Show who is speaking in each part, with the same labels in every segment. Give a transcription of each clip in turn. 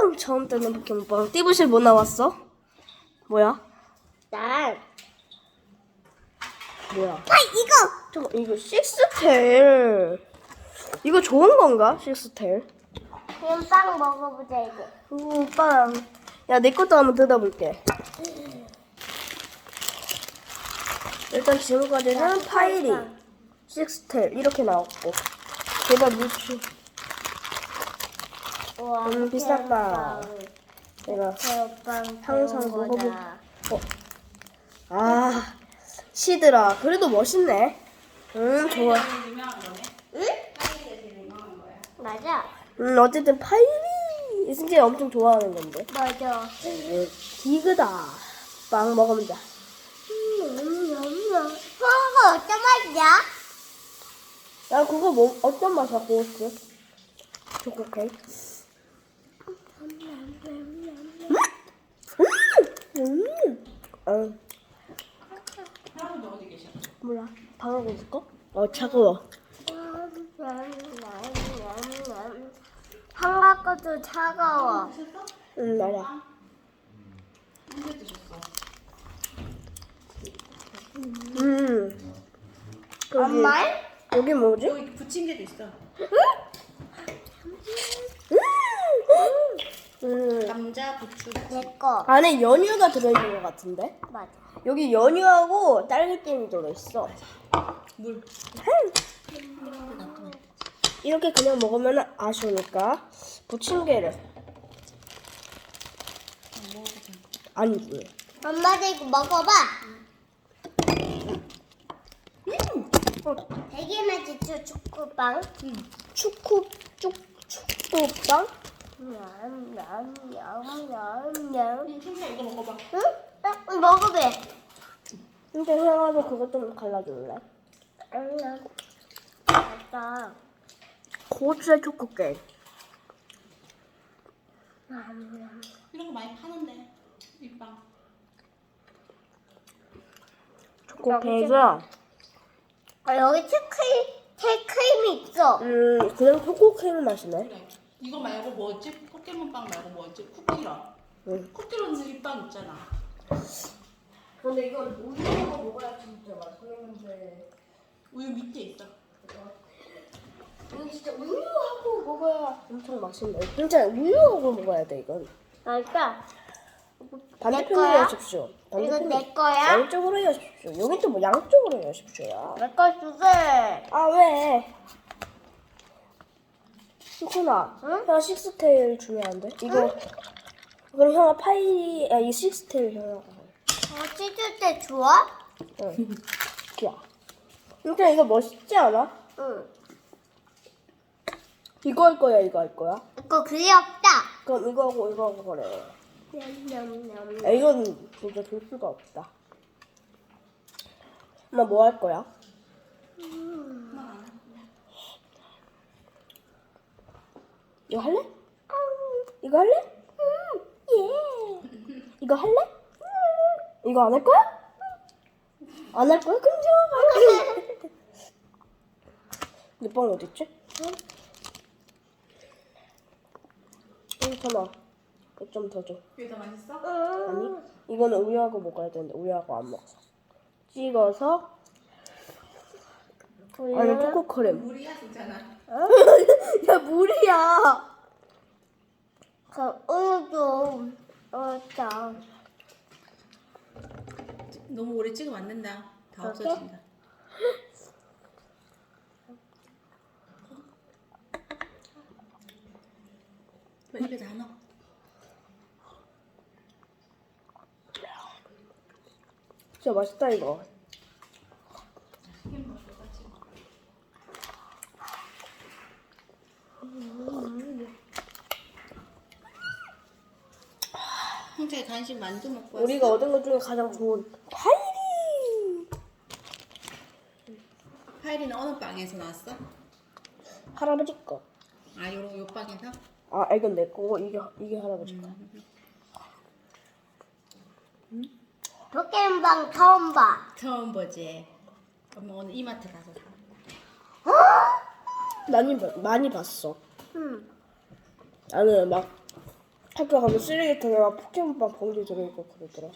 Speaker 1: 처음 뜨는 포켓몬빵. 띠부실 뭐 나왔어? 뭐야?
Speaker 2: 난
Speaker 1: 뭐야?
Speaker 2: 이거
Speaker 1: 잠깐 이거 식스테일. 이거 좋은 건가? 식스테일.
Speaker 2: 그냥 빵 먹어보자 이제.
Speaker 1: 오 빵. 야 내 것도 한번 뜯어볼게. 일단 지금까지는 파이리, 식스테일 이렇게 나왔고. 제발 물추.
Speaker 2: 우와,
Speaker 1: 비싼 빵. 내가
Speaker 2: 새우빵
Speaker 1: 항상
Speaker 2: 배운
Speaker 1: 먹어보.
Speaker 2: 거다.
Speaker 1: 아 시드라. 그래도 멋있네. 좋아.
Speaker 2: 응? 맞아.
Speaker 1: 어쨌든 파이리 승재 엄청 좋아하는 건데.
Speaker 2: 맞아.
Speaker 1: 디그다. 빵 먹으면 돼.
Speaker 2: 그거 어떤 맛이야?
Speaker 1: 야 그거 뭐 어떤 맛이야 고스트? 초코 케이크.
Speaker 3: 할아버지 어디 계셔?
Speaker 1: 몰라. 방하고 있을까? 차가워.
Speaker 2: 한가 것도 차가워.
Speaker 1: 맞아.
Speaker 3: 언제 드셨어?
Speaker 2: 엄마?
Speaker 1: 여기 뭐지?
Speaker 3: 여기 부침개도 있어. 감자, 부추.
Speaker 2: 내 거.
Speaker 1: 안에 연유가 들어있는 것 같은데?
Speaker 2: 맞아.
Speaker 1: 여기 연유하고 딸기잼이 들어있어.
Speaker 3: 물.
Speaker 1: 이렇게 그냥 먹으면 아쉬우니까 부침개를. 아니지.
Speaker 2: 엄마도 이거 먹어봐. 되게 맛있죠, 초코빵.
Speaker 1: 축구빵?
Speaker 2: 냠냠냠냠냠.
Speaker 3: 청소야 이거 먹어봐.
Speaker 2: 응? 먹어봐.
Speaker 1: 근데 형아도 그것 좀 갈라줄래?
Speaker 2: 맞다.
Speaker 1: 고추의 초코 케이크.
Speaker 3: 이런 거 많이 파는데. 이 빵.
Speaker 1: 초코 케이크.
Speaker 2: 여기 크림이 있어.
Speaker 1: 그냥 초코 케이크 맛이네.
Speaker 3: 그래. 이거 말고 뭐였지? 포켓몬 빵 말고 뭐였지? 쿠키런.
Speaker 1: 응.
Speaker 3: 쿠키런 이빵 있잖아.
Speaker 1: 근데 이건 우유하고 먹어야 진짜 맛있는데.
Speaker 3: 우유 밑에 있어.
Speaker 1: 이건 진짜 우유하고 먹어야 엄청 맛있네. 진짜 우유하고 먹어야 돼 이건.
Speaker 2: 그러니까
Speaker 1: 반대편으로
Speaker 2: 거야?
Speaker 1: 하십시오.
Speaker 2: 이거
Speaker 1: 반대편으로.
Speaker 2: 내 거야?
Speaker 1: 양쪽으로 하십시오. 여긴 또 뭐 양쪽으로 하십시오야.
Speaker 2: 내 거 주세.
Speaker 1: 아 왜? 수쿠나,
Speaker 2: 응?
Speaker 1: 형아 식스테일 주면 안 돼? 이거 그럼 형아 파이, 이 식스테일 형아.
Speaker 2: 찢을 때 좋아?
Speaker 1: 응. 좋아. 진짜 이거 멋있지 않아?
Speaker 2: 응.
Speaker 1: 이거 할 거야, 이거 할 거야?
Speaker 2: 이거 귀엽다.
Speaker 1: 그럼 이거 하고 그래.
Speaker 2: 냠냠냠.
Speaker 1: 야, 이건 진짜 줄 수가 없다. 엄마 뭐 할 거야? 이거 할래? 이거 할래? 예. 이거 할래? 이거 안 할 거야? 안 할 거야? 그럼 좋아. 내 빵 어디 있지? 잠깐만. 좀 더 줘.
Speaker 3: 이게 더 맛있어?
Speaker 1: 아니, 이거는 우유하고 먹어야 되는데 우유하고 안 먹어서. 찍어서. 아니 초코 크림.
Speaker 3: 물이야 진짜나.
Speaker 1: 야 물이야.
Speaker 2: 그럼 우유 좀 넣자.
Speaker 3: 너무 오래 찍으면 안 된다. 다
Speaker 2: 그렇게?
Speaker 3: 없어진다. 왜 입에 다 넣어?
Speaker 1: 진짜 맛있다 이거.
Speaker 3: 형제 간식 만두 먹고 왔어.
Speaker 1: 우리가 얻은 것 중에 가장 좋은 파이리.
Speaker 3: 파이리는 어느 빵에서 나왔어?
Speaker 1: 할아버지 거.
Speaker 3: 아, 요 빵에서?
Speaker 1: 아 이건 내 거고 이게 할아버지 거.
Speaker 2: 포켓몬빵 처음 봐.
Speaker 3: 처음 보지. 엄마 오늘 이마트 가서 사.
Speaker 1: 많이 봤어.
Speaker 2: 응.
Speaker 1: 나는 막 학교 가면 쓰레기통에 막 포켓몬빵 봉지 들어있고 그러더라.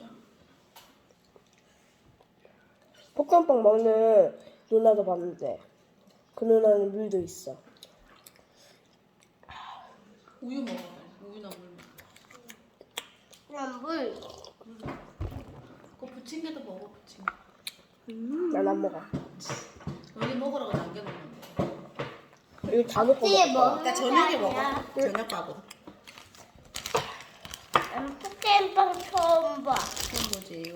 Speaker 1: 포켓몬빵 먹는 누나도 봤는데 그 누나는 물도 있어.
Speaker 3: 우유 먹어. 우유나 물.
Speaker 2: 그냥 물.
Speaker 3: 그거 부침개도 먹어 부침개.
Speaker 1: 난 안 먹어.
Speaker 3: 여기 먹으라고 남겨놓는데.
Speaker 1: 이거 다 먹고
Speaker 2: 뒤에
Speaker 1: 먹어.
Speaker 2: 먹는
Speaker 3: 그러니까 저녁에
Speaker 2: 게
Speaker 3: 먹어.
Speaker 2: 아니야.
Speaker 3: 저녁밥으로.
Speaker 2: 난 포켓몬빵 처음 봐.
Speaker 3: 그런 거지 이거.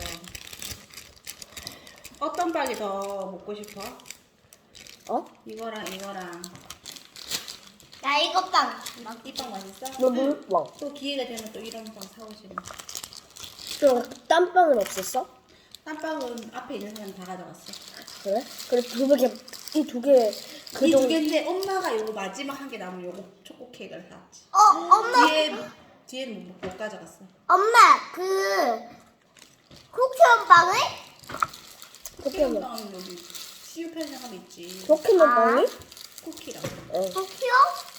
Speaker 3: 어떤 빵이 더 먹고 싶어?
Speaker 1: 어?
Speaker 3: 이거랑 이거랑.
Speaker 2: 나 이거 빵.
Speaker 3: 이 빵 맛있어?
Speaker 1: 너 물빵.
Speaker 3: 또 기회가 되면 또 이런 빵 사오시면.
Speaker 1: 또 땀빵은 없었어?
Speaker 3: 땀빵은 앞에 있는 사람 다 가져갔어.
Speaker 1: 그래? 그래 두 개, 이 두 개, 그
Speaker 3: 이 두
Speaker 1: 정도.
Speaker 3: 개인데 엄마가 요거 마지막 한 개 남은 요거 초코 케이크를 샀지.
Speaker 2: 엄마.
Speaker 3: 뒤에는 못 가져갔어.
Speaker 2: 엄마 그 쿠키원빵을?
Speaker 1: 포켓몬.
Speaker 3: 빵은 여기 CU 편의점 있지.
Speaker 1: 포켓몬 빵이?
Speaker 3: 쿠키랑.
Speaker 1: 어.
Speaker 2: 쿠키요?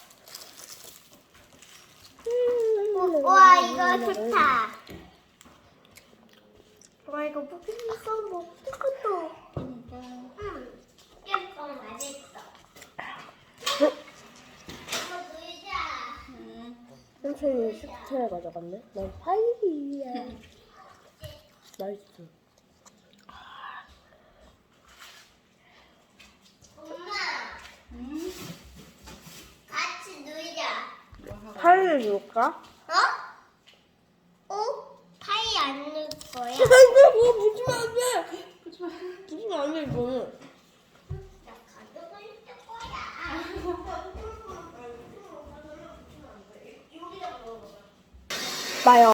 Speaker 2: 와 이거 좋다. 와 이거 포켓몬빵 먹고 싶었어.
Speaker 3: 그러니까.
Speaker 2: 포켓몬빵 맛있어. 이거 놀자.
Speaker 1: 삼촌이 스타일 가져갔네. 난 파이야. 맛있어.
Speaker 2: 엄마 같이 놀자.
Speaker 3: 뭐 하고.
Speaker 1: 파이를 줄까?
Speaker 2: 어? 파이 안 넣을 거야?
Speaker 1: 안돼, 그거 부시면 안 돼. 부시면 안 돼, 이거는.
Speaker 2: 나 가져갈 거야.
Speaker 1: 나요.